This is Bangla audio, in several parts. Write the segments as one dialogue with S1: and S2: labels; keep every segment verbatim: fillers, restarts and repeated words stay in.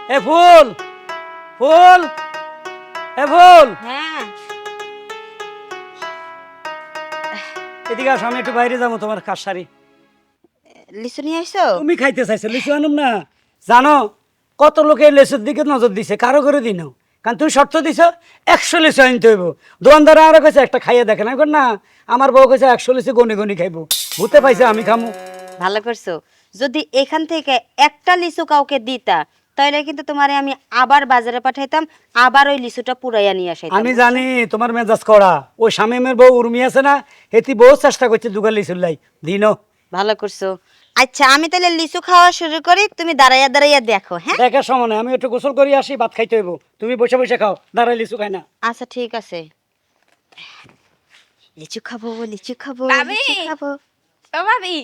S1: এ ফুল ফুল এ ফুল
S2: হ্যাঁ
S1: এদিকে আসো, আমি একটু বাইরে যাবো, তোমার কাজ সারি।
S2: লিচু নিয়ে আইছো?
S1: তুমি খাইতে চাইছো, লিচু আনুম না? জানো কত লোকে লেচুর দিকে নজর দিছে, কারো করে দিন কারণ তুমি শর্ত দিছ একশো লিচু আনতে হইব। দোকানদার আরো কইছে একটা খাইয়ে দেখেন, এখন না আমার বউ কইছে একশো লিচু গনি গনি খাইবো। ভূতে পাইছে আমি খামু।
S2: ভালো করছো। যদি এখান থেকে একটা লিচু কাউকে দিতা তাহলে কিন্তু তোমারে আমি আবার বাজারে পাঠাইতাম, আবার ওই লিচুটা পুরাইয়া নিয়ে আসাইতাম।
S1: আমি জানি তোমার মেজাজ করা। ওই শামিমের বউ উর্মি আছে না, হেতি বহু চেষ্টা করছে দুগার লিচুর লাই দিনও।
S2: ভালো করছো। আচ্ছা আমি তাহলে লিচু খাওয়া শুরু করি, তুমি দাঁড়াইয়া দাঁড়াইয়া দেখো। হ্যাঁ
S1: দেখার সময় নাই, আমি একটু গোসল করি আসি, ভাত খাইতে হইব। তুমি বসে বসে খাও, দাঁড়াই লিচু খাই না।
S2: আচ্ছা ঠিক আছে। লিচু খাবো লিচু খাবো
S3: ভাবি!
S2: লিচু খাবো।
S3: ও ভাবি,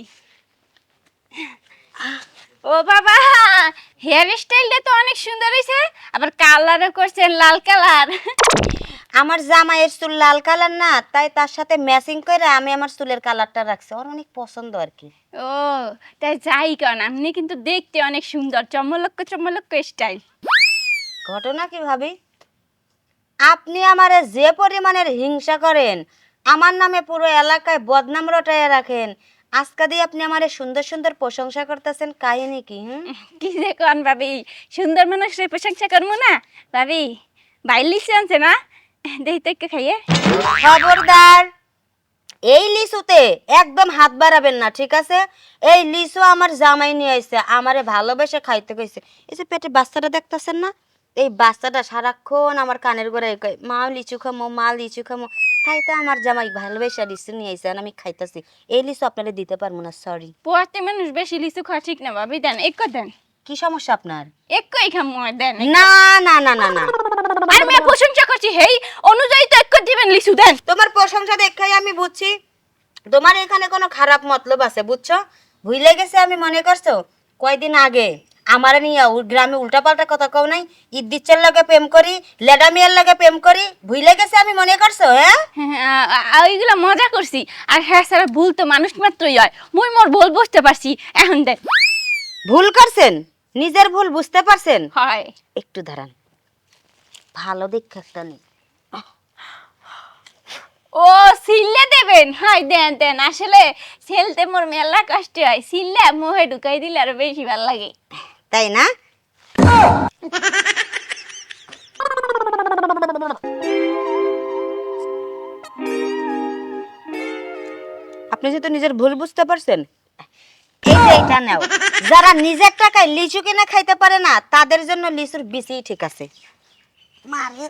S3: ও বাবা, হেয়ার স্টাইলটা তো অনেক সুন্দর হয়েছে, আবার কালারও করছেন লাল কালার।
S2: আমার জামাইয়ের চুল লাল কালার না, তাই তার সাথে ম্যাচিং করে আমি আমার চুলের কালারটা রাখছি, ওর অনেক পছন্দ আর কি।
S3: ও তাই যাই কেন, আপনি কিন্তু দেখতে অনেক সুন্দর, চমলক্ক চমলক্ক স্টাইল।
S2: ঘটনা কি ভাবি, আপনি আমারে যে পরিমাণের হিংসা করেন, আমার নামে পুরো এলাকায় বদনাম রটাইয়া রাখেন, আজকে দিয়ে আপনি আমারে সুন্দর সুন্দর প্রশংসা করতেছেন, কাহিনী কি? হুম
S3: কি যে কন ভাবি, সুন্দর মানুষের প্রশংসা করবো না? ভাবি বাইর লিচু আনছে না, দেখি তো একটু খাইয়ে।
S2: খবরদার, এই লিচুতে একদম হাত বাড়াবেন না, ঠিক আছে? এই লিচু আমার জামাই নিয়ে আইছে, আমারে ভালোবেসে খাইতে কইছে। এই যে পেটে বাচ্চাটা দেখতেছেন না, এই বাচ্চাটা সারাক্ষণ আমার কানের গোড়ায় কয় মা লিচু খামো, মা লিচু খামো। তাই তো আমার জামাই ভালোবেসে লিচু নিয়ে আইছে, আর আমি খাইতেছি। এই লিচু আপনারা দিতে পারবো না, সরি।
S3: পোয়াতে মানুষ বেশি লিচু খাওয়া ঠিক না ভাবি, দেন এক দেন।
S2: কি সমস্যা আপনার?
S3: একই খামো, দেন।
S2: না না না না না,
S3: আমি প্রশংসা করছি, হেই অনুযায়ী তো এক দিবেন লিচু, দেন।
S2: তোমার প্রশংসা দেখাই আমি বুঝছি তোমার এখানে কোনো খারাপ মতলব আছে, বুঝছো? ভুলে গেছে আমি, মনে করছো কয়দিন আগে আমার নিয়ে গ্রামে উল্টাপাল্টা কথা কও নাই, ইদ্দিচ্ছের লাগে প্রেম করি, লেডা মিয়ার লাগে প্রেম করি, ভুলে গেছে আমি, মনে করছো? হ্যাঁ
S3: হ্যাঁ, ওইগুলো মজা করছি। আর হ্যাঁ স্যার, ভুল তো মানুষ মাত্রই হয়, মুই মোর ভুল বুঝতে পারছি, এখন দেন।
S2: ভুল করছেন, নিজের ভুল বুঝতে পারছেন?
S3: হয়
S2: একটু দাঁড়ান, ভালো দীক্ষা একটা নেই।
S3: ও সিল্লে দেবেন, হয় দেন দেন। আসলে সেলতে মোর মেলা কষ্ট হয়, সিল্লে মুহে ঢুকাই দিলে আরো বেশি ভালো লাগে।
S2: তাই না? আপনি যেহেতু নিজের ভুল বুঝতে পারছেন, এই যে এটা নাও। যারা নিজের টাকায় লিচু কিনে খাইতে পারে না, তাদের জন্য লিচুর বিচিই ঠিক আছে। মারে